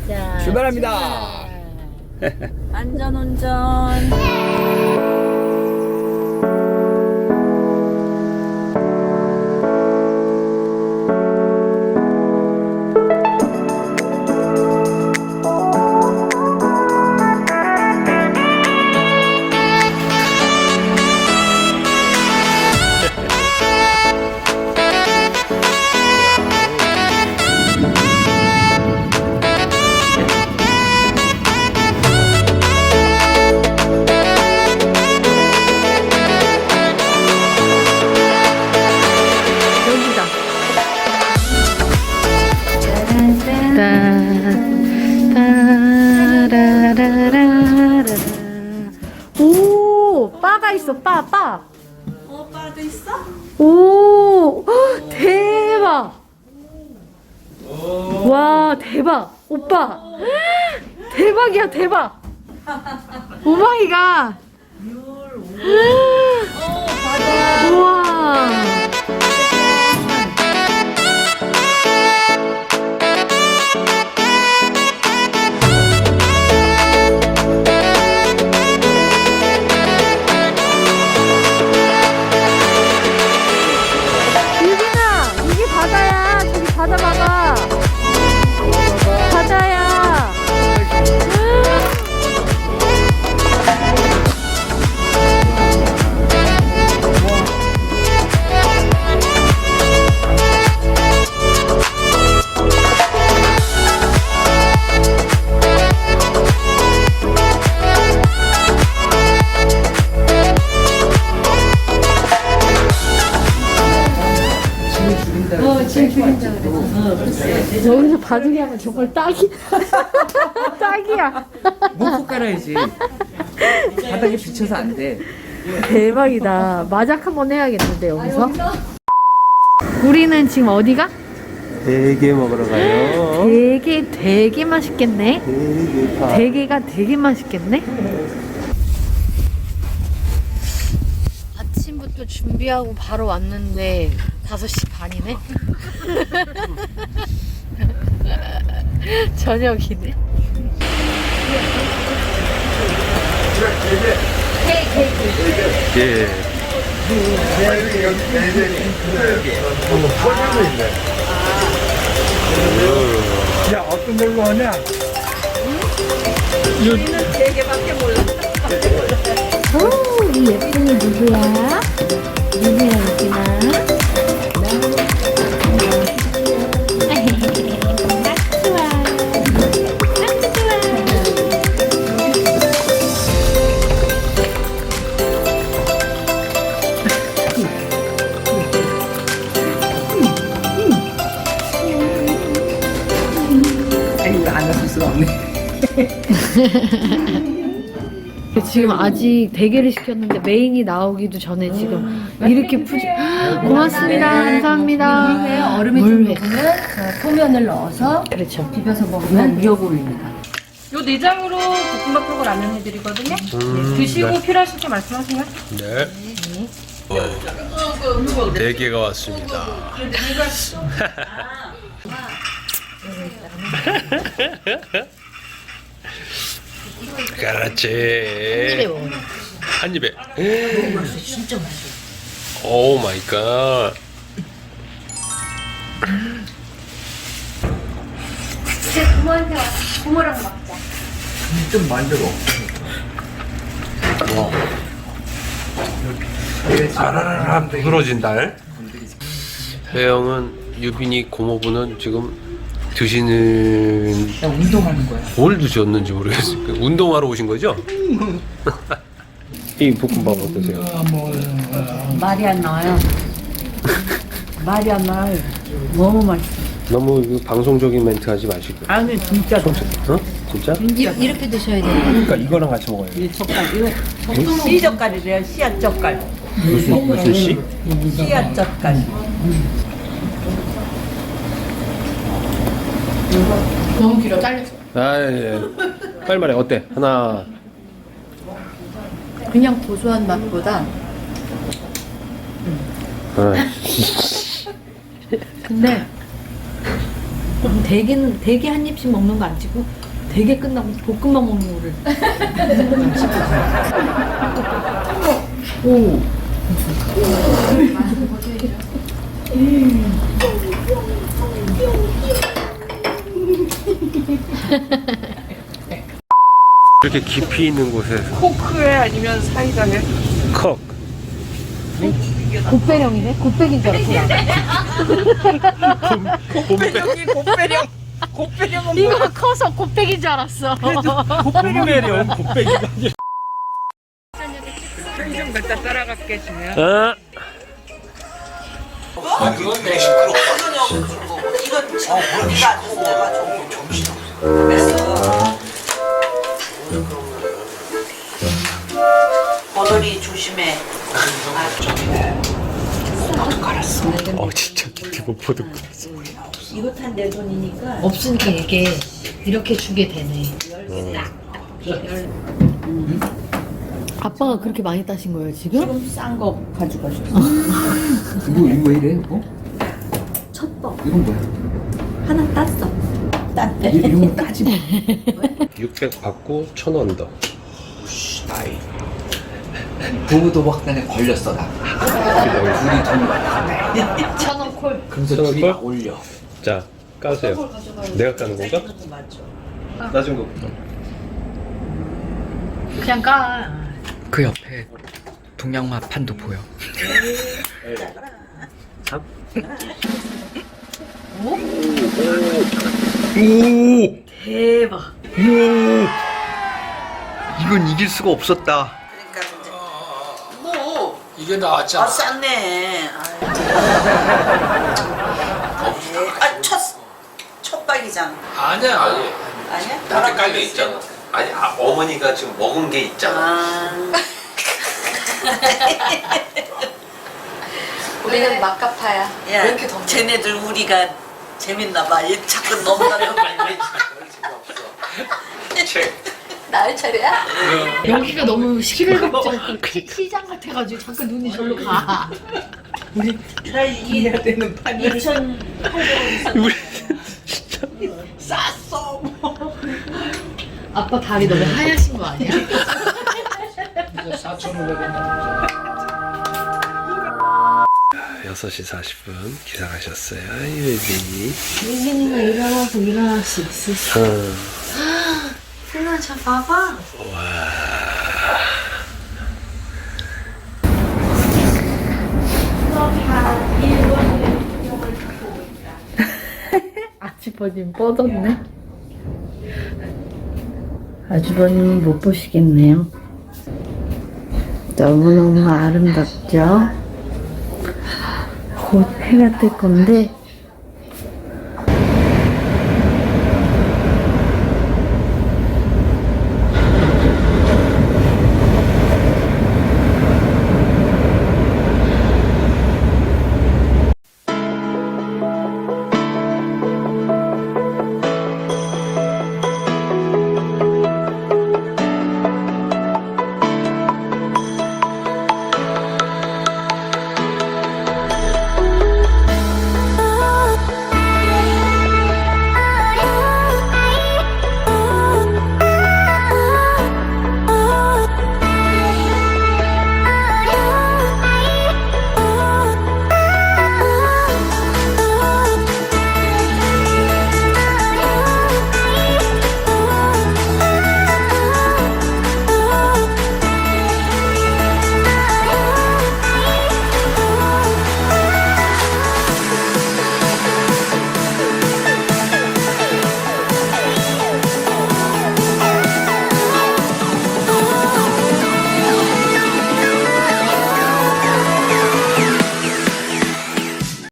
자, 출발합니다. 안전운전. 오, 바가 있어, 바. 바도 있어? 오, 헉, 대박. 와, 대박. 오빠. 대박이야, 대박. 오마이갓. 우와. 바다 봐봐. 바다야. 여기서 바둑이 하면 정말 딱이야. 목포 깔아야지. 바닥에 비쳐서 안 돼. 대박이다. 마작 한번 해야겠는데 여기서. 우리는 지금 어디가? 대게 먹으러 가요. 되게 맛있겠네. 대게가 되게 맛있겠네. 아침부터 준비하고 바로 왔는데 5시 반이네. 저녁이네. 예. 야, 어떤 걸로 하냐? 우리는 되게밖에 몰라. 오, 이 예쁜 애 누구야? 누구야, 여기나? 안 왔을 수가 없네. 지금 아직 대게를 시켰는데 메인이 나오기도 전에 지금 이렇게 푸지. 고맙습니다. 감사합니다. 물회에 얼음이 좀 녹으면 소면을 넣어서 그렇죠. 비벼서 먹으면 위협 올립니다. 요 내장으로 볶음밥 하고 라면 해드리거든요. 드시고 필요하실 때 말씀하세요. 네. 대게가 왔습니다. 그렇지. 한 입에. 진짜 맛있어. 오 마이 갓. 이제 부모한테 와서 부모랑 먹자. 좀 만들어. 와. 아라라라 부러진 달. 혜영은 유빈이 고모부는 지금 드시는 운동하는 거야. 뭘 드셨는지 모르겠어요. 운동하러 오신 거죠? 이 볶음밥 어떠세요? 말이 안 나와요. 말이 안 나와요. 너무 맛있어. 너무 이거 방송적인 멘트 하지 마시고. 아니 진짜로. 어? 진짜? 이렇게 드셔야 돼요. 그러니까 이거랑 같이 먹어요. 이 젓갈 이거 씨젓갈이래요. 씨앗 젓갈. 무슨 씨? 씨앗 젓갈. 너무 길어, 잘렸어. 아, 예. 빨리 말해. 어때? 하나. 그냥 고소한 맛보다. 아, 근데 대게 한 입씩 먹는 거 안 찍고 대게 끝나고 볶음밥 먹는 거를 안 찍고. 오. 이렇게 깊이 있는 곳에서 코크에 아니면 사이다에? 컥. 곱배령이네? 곱배기인 줄 알았구나. 곱배령이 곱배령. 곱배령은 이거 커서 곱배기인 줄 알았어. 곰매령 곱빼기가 아니라. 편의점 갔다 따라갈게 주면. 아, 버들이 조심해. 진짜 깊이 못 보도. 이거 탄 내 돈이니까. 없으니까 이게 이렇게 주게 되네. 아빠가 그렇게 많이 따신 거예요 지금? 좀 싼 거 가져가셨어. 이거 왜 이래? 어? 첫번 이건 뭐야? 하나 땄어. 땄대. 이런 거 따지 마. 600 받고 1000원 더. 나이. 도부도박단에 걸렸어 나. 둘이 돈 많이. 천원 콜. 그래서 천원 둘이 콜? 막 올려. 자, 까세요. 내가 까는 건가? 낮은 거. 그냥 까. 그 옆에 동양마판도 보여. 대박. 이건 이길 수가 없었다. 그러니까 이제 뭐 이게 나왔잖아. 쌌네. 첫 박이잖아. 아니야. 아니야? 이렇게 깔려 있잖아. 아니 어머니가 지금 먹은 게 있잖아. 아. 우리는 막가파야. 야, 왜 이렇게 덥냐? 쟤네들 우리가 재밌나 봐. 얘 자꾸 넘나면 나의 차례야? 여기가 너무 시끌벅적 시장 같아가지고 자꾸 눈이 절로 가. 나 이해야 되는 판이. 2,800원 쌌어. 아빠 다리 너무 하얗신 거 아니야? 6시 40분 기상하셨어요. 유빈이. 유빈이가 일어나서 일어날 수 있으시. 승아 저 봐봐. 아주버님 뻗었네. 아주버님은 못 보시겠네요. 너무너무 아름답죠? 곧 해가 뜰 건데